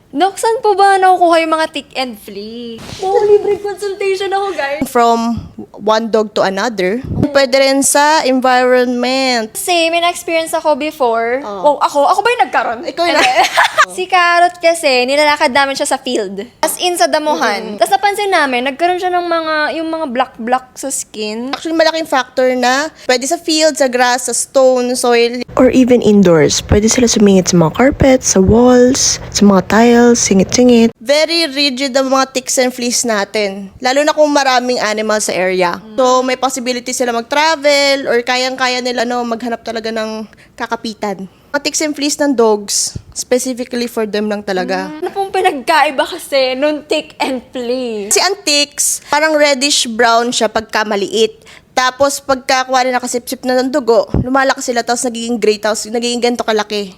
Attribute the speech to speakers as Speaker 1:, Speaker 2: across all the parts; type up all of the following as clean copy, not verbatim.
Speaker 1: Dok, saan po ba nakukuha yung mga tick and flea? Oh, libre consultation ako, guys.
Speaker 2: From one dog to another. Pwede rin sa environment.
Speaker 1: Kasi may na-experience ako before. Oh, ako ba yung nagkaroon?
Speaker 2: Ikaw yun.
Speaker 1: Si Carrot kasi, nilalakad namin siya sa field. As in sa damuhan. Tapos napansin namin, nagkaroon siya ng yung mga black sa skin.
Speaker 2: Actually, malaking factor na pwede sa field, sa grass, sa stone, soil.
Speaker 3: Or even indoors, pwede sila sumingit sa mga carpets, sa walls, sa mga tiles, singit-singit.
Speaker 2: Very rigid ang mga ticks and fleas natin. Lalo na kung maraming animals sa area. So, may possibility sila mag-travel or kayang-kaya nila maghanap talaga ng kakapitan. Mga ticks and fleas ng dogs, specifically for them lang talaga.
Speaker 1: Ano pong pinagkaiba kasi nung tick and flea?
Speaker 2: Si ang ticks, parang reddish-brown siya pagka maliit. Tapos, pagka kuwari nakasip-sip na ng dugo, lumalaki sila, tapos nagiging gray, tapos nagiging ganito kalaki.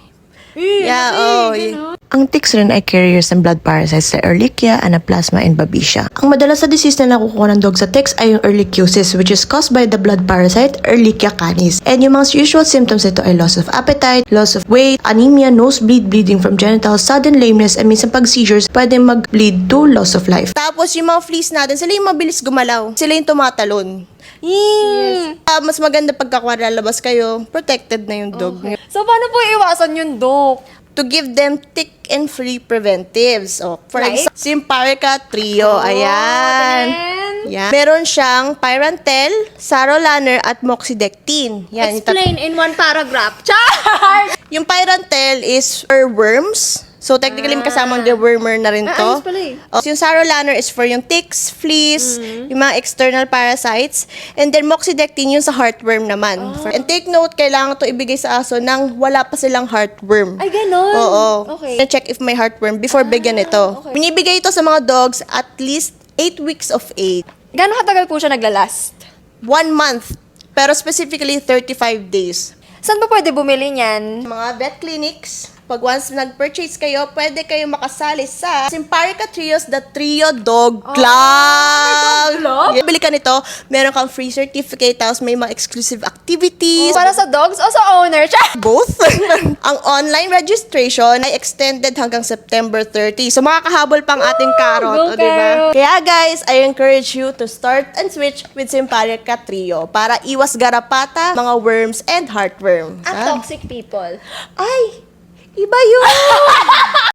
Speaker 3: Ang ticks rin ay carriers ng blood parasites like Ehrlichia, Anaplasma, and Babesia. Ang madalas na disease na nakukuha ng dog sa ticks ay yung Ehrlichiosis, which is caused by the blood parasite Ehrlichia canis. And yung mga usual symptoms nito ay loss of appetite, loss of weight, anemia, nosebleed, bleeding from genitals, sudden lameness, and minsan pag seizures, pwede mag-lead to loss of life.
Speaker 2: Tapos, yung mga fleas natin, sila yung mabilis gumalaw. Sila yung tumatalon.
Speaker 1: Yes.
Speaker 2: Mas maganda pagka lalabas kayo, protected na yung dog.
Speaker 1: So, paano po iwasan yung Dok?
Speaker 2: To give them tick and flea preventives. For
Speaker 1: Like?
Speaker 2: example, Simparica Trio. Ayan. Yan. Meron siyang Pyrantel, Sarolaner, at Moxidectin. Yan.
Speaker 1: Explain in one paragraph. Char!
Speaker 2: Yung Pyrantel is for worms. So, technically, kasama ang dewormer na rin to.
Speaker 1: ayos pala eh.
Speaker 2: Yung Sarolaner is for yung ticks, fleas, yung mga external parasites. And then, Moxidectin yung sa heartworm naman. And take note, kailangan to ibigay sa aso nang wala pa silang heartworm.
Speaker 1: Ay, ganon.
Speaker 2: Oo.
Speaker 1: Okay.
Speaker 2: Check if may heartworm before bigyan ito.
Speaker 1: okay.
Speaker 2: Binibigay ito sa mga dogs at least 8 weeks of age.
Speaker 1: Gano'ng katagal po siya naglalast?
Speaker 2: 1 month. Pero specifically, 35 days.
Speaker 1: Saan pa pwede bumili niyan?
Speaker 2: Mga vet clinics, pag once nag-purchase kayo, pwede kayo makasali sa Simparica Trios, the Trio Dog Club.
Speaker 1: Club?
Speaker 2: Yeah. Bili ka nito, meron kang free certificate, tapos may mga exclusive activities.
Speaker 1: Para sa dogs o sa owner? Char!
Speaker 2: Both. Ang online registration ay extended hanggang September 30. So, makakahabol pang ating
Speaker 1: go
Speaker 2: carrot. Diba?
Speaker 1: carrot!
Speaker 2: Kaya guys, I encourage you to start and switch with Simparica Trio para iwas garapata, mga worms, and heartworm.
Speaker 1: At toxic people.
Speaker 2: Ay! Iba yun!